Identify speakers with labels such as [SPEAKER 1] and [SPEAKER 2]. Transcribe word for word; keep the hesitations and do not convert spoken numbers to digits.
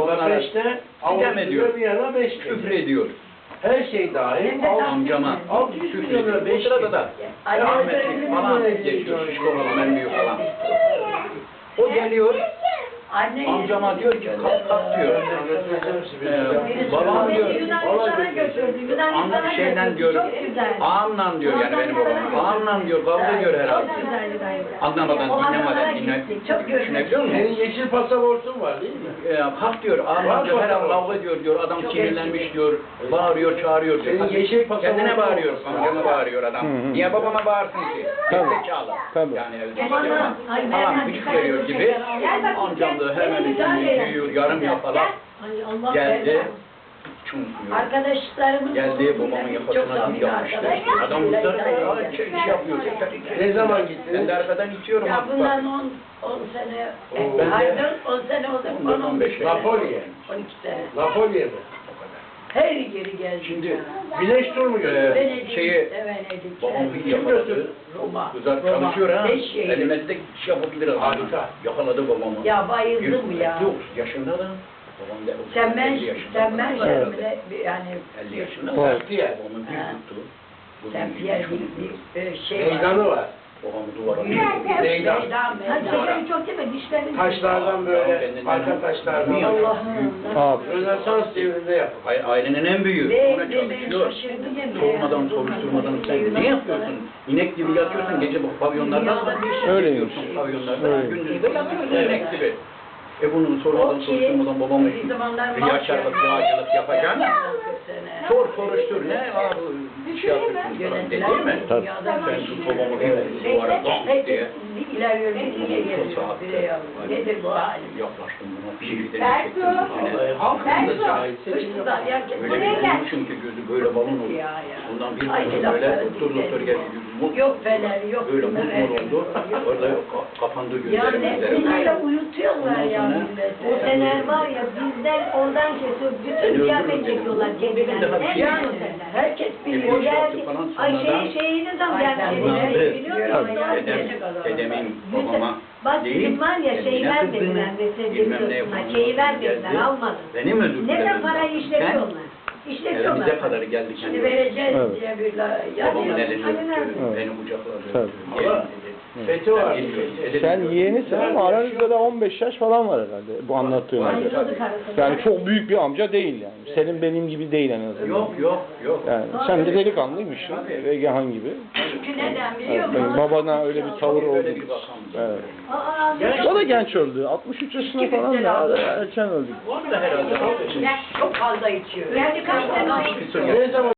[SPEAKER 1] sonra
[SPEAKER 2] beşte
[SPEAKER 1] sitem ediyor.
[SPEAKER 2] bir yana beş
[SPEAKER 1] Küfür ediyor.
[SPEAKER 2] Her şey dahil.
[SPEAKER 1] Amcama
[SPEAKER 2] altı yüz
[SPEAKER 1] küfür
[SPEAKER 2] milyona
[SPEAKER 1] ediyor.
[SPEAKER 2] beş
[SPEAKER 1] Bu sırada da rahmetli falan geçiyor. Şişko falan, en büyük falan. O geliyor. Amcama diyor ki kalk kalk diyor. Ee, babam diyor. Anlık şeyden diyor. Ağamla diyor yani benim babam. Ağamla diyor kavga ediyor herhalde. Anlamadan dinlemeden dinle. Düşünebiliyor musun?
[SPEAKER 2] Senin yeşil pasaportun var değil mi?
[SPEAKER 1] Ee, kalk diyor. Ağamla diyor herhalde kavga ediyor diyor. Adam sinirlenmiş diyor. Bağırıyor çağırıyor diyor.
[SPEAKER 2] Senin yeşil pasaportun
[SPEAKER 1] Kendine bağırıyor. Amcama bağırıyor adam. Niye babama bağırsın ki? Gerizekalı. Yani evde falan güç veriyor gibi. Amcam da hemen büyüyor, yarım yapalak geldi. Çünkü
[SPEAKER 3] Arkadaşlarımın
[SPEAKER 1] geldi babamın yakasına bir yapmıştı. Adam da şey, şey yapıyor.
[SPEAKER 2] Ne zaman gittiniz?
[SPEAKER 1] Ben de arkadan itiyorum.
[SPEAKER 3] Ya
[SPEAKER 1] Bak,
[SPEAKER 3] bundan on, on sene,
[SPEAKER 2] Oo.
[SPEAKER 1] Ben de-
[SPEAKER 3] pardon on sene oldu, on on beş sene.
[SPEAKER 2] Napolye.
[SPEAKER 3] on iki sene.
[SPEAKER 2] Napolye mi?
[SPEAKER 3] Her yeri geldi.
[SPEAKER 1] Şimdi
[SPEAKER 2] Güneş tur mu götürdü?
[SPEAKER 1] Ee, şeyi-
[SPEAKER 3] Venedik,
[SPEAKER 1] babam bir
[SPEAKER 2] Kim
[SPEAKER 1] yakaladı.
[SPEAKER 2] götürdü?
[SPEAKER 3] Roma.
[SPEAKER 1] Güzel
[SPEAKER 3] Roma.
[SPEAKER 1] çalışıyor ha.
[SPEAKER 3] Beş şehir.
[SPEAKER 1] Elimizde iş yapabilir adam.
[SPEAKER 2] Harika.
[SPEAKER 1] Yakaladı babamı.
[SPEAKER 3] Ya bayıldım ya.
[SPEAKER 1] Yok yaşında da. Babam da
[SPEAKER 3] Sen ben,
[SPEAKER 1] elli yaşında.
[SPEAKER 3] sen ben
[SPEAKER 1] falan herhalde.
[SPEAKER 3] şöyle bir- yani
[SPEAKER 1] elli yaşında.
[SPEAKER 2] Evet.
[SPEAKER 1] Babamı bir
[SPEAKER 3] Ha.
[SPEAKER 1] tuttu. Bu
[SPEAKER 3] sen
[SPEAKER 1] bir-
[SPEAKER 3] bir, bir, bir, bir şey var.
[SPEAKER 2] Meydanı var.
[SPEAKER 1] Babamı duvara
[SPEAKER 3] Meydan,
[SPEAKER 1] vurdu.
[SPEAKER 2] Meydan.
[SPEAKER 3] meydan, meydan.
[SPEAKER 4] çok değil mi? Dişlerin
[SPEAKER 2] Taşlardan böyle, arka taşlardan.
[SPEAKER 3] Allah'ım.
[SPEAKER 2] Rönesans devrinde yapıldı.
[SPEAKER 1] Ay- Ailenin en büyüğü.
[SPEAKER 3] Ve
[SPEAKER 1] Ona
[SPEAKER 3] ve ben
[SPEAKER 1] çalışıyor.
[SPEAKER 3] şaşırdım.
[SPEAKER 1] Sormadan, soruşturmadan sen ne yapıyorsun? İnek gibi yatıyorsun gece bu pavyonlarda.
[SPEAKER 5] Öyleymiş.
[SPEAKER 1] Pavyonlarda.
[SPEAKER 5] Öyleymiş.
[SPEAKER 1] Gündüz de yatıyorsun inek gibi. E bunun sormadan, soruşturmadan babamı riyakarlık, yağcılık yapacaksın. Sor soruştur ne? Aa bu iş yapıyorsun falan dedi değil mi?
[SPEAKER 5] Tabii.
[SPEAKER 1] Sen tut babamı bir vurdu duvara donk diye.
[SPEAKER 3] İlerliyor, bir geliyor. Bire yavrum. Nedir bu hali?
[SPEAKER 1] Yaklaştım buna bir şeyden çektim yüzüne.
[SPEAKER 2] Vallahi halkın da cahil.
[SPEAKER 3] Hırsızlar ya.
[SPEAKER 1] Öyle bir vurdu çünkü gözü böyle balon oldu.
[SPEAKER 3] Ya, ya.
[SPEAKER 1] Ondan bir
[SPEAKER 3] Ay,
[SPEAKER 1] vurdu
[SPEAKER 3] lafları
[SPEAKER 1] böyle doktor doktor geldi yüzümü.
[SPEAKER 3] Yok fener, yok.
[SPEAKER 1] Böyle
[SPEAKER 3] bunlar,
[SPEAKER 1] mutmur
[SPEAKER 3] evet.
[SPEAKER 1] oldu. Orada ka- kapandı
[SPEAKER 3] Ya
[SPEAKER 1] gözlerim
[SPEAKER 3] ne
[SPEAKER 1] üzerine.
[SPEAKER 3] bunlarla uyutuyorlar ya
[SPEAKER 1] Ondan sonra-
[SPEAKER 3] milleti.
[SPEAKER 4] O fener var ya bizden oradan kesiyor. Bütün kıyafet çekiyorlar kendilerine.
[SPEAKER 1] Bir-
[SPEAKER 3] Yani herkes biliyor.
[SPEAKER 1] boş yaptı falan
[SPEAKER 4] Ay
[SPEAKER 1] sonradan.
[SPEAKER 4] şey şeyini de
[SPEAKER 3] Ay,
[SPEAKER 4] ben
[SPEAKER 3] sen
[SPEAKER 4] kendileri
[SPEAKER 1] bunları-
[SPEAKER 4] biliyor musun?
[SPEAKER 1] Dedem, dedemin babama
[SPEAKER 4] Bak
[SPEAKER 1] değil,
[SPEAKER 4] bizim var ya şeyi
[SPEAKER 1] kendine
[SPEAKER 4] vermediler
[SPEAKER 1] kızdığını,
[SPEAKER 4] mesela
[SPEAKER 1] bilmem ne
[SPEAKER 4] biliyorsun.
[SPEAKER 1] yapalım,
[SPEAKER 4] Şeyi vermediler
[SPEAKER 1] geldi.
[SPEAKER 4] almadı.
[SPEAKER 1] Benim özür
[SPEAKER 4] Neden
[SPEAKER 1] dilerim.
[SPEAKER 4] parayı
[SPEAKER 1] Ben-
[SPEAKER 4] işletiyorlar? İşletiyorlar.
[SPEAKER 1] Evimize kadar geldi
[SPEAKER 3] Şimdi
[SPEAKER 1] kendi.
[SPEAKER 3] vereceğiz
[SPEAKER 5] Evet.
[SPEAKER 3] diye bir la...
[SPEAKER 1] Babamın
[SPEAKER 3] Yani-
[SPEAKER 1] elini
[SPEAKER 4] Hani
[SPEAKER 1] öptü,
[SPEAKER 4] nerede?
[SPEAKER 1] beni kucakladı.
[SPEAKER 5] Tabii.
[SPEAKER 1] öptü. Gelin dedi.
[SPEAKER 2] Fethi var.
[SPEAKER 1] Ben geliyorum, dedim
[SPEAKER 5] Sen
[SPEAKER 1] diyor.
[SPEAKER 5] yeğenisin ama aranızda da on beş yaş falan var herhalde bu anlattığına göre.
[SPEAKER 4] Ayrıldı karısı.
[SPEAKER 5] Yani çok büyük bir amca değil yani. Senin benim gibi değil en azından.
[SPEAKER 1] Yok yok yok.
[SPEAKER 5] Yani sen de delikanlıymışsın. Regahan gibi.
[SPEAKER 3] Çünkü neden biliyor
[SPEAKER 5] Evet,
[SPEAKER 3] musun?
[SPEAKER 5] benim babana öyle bir tavır oldu.
[SPEAKER 1] Böyle bir bakamdı.
[SPEAKER 5] Evet.
[SPEAKER 4] Aa,
[SPEAKER 5] O da genç öldü. altmış üç yaşında falan da erken öldü.
[SPEAKER 1] O da herhalde.
[SPEAKER 3] Çok fazla içiyor.
[SPEAKER 4] yani kaç tane
[SPEAKER 1] Bir sürü
[SPEAKER 2] Ne zaman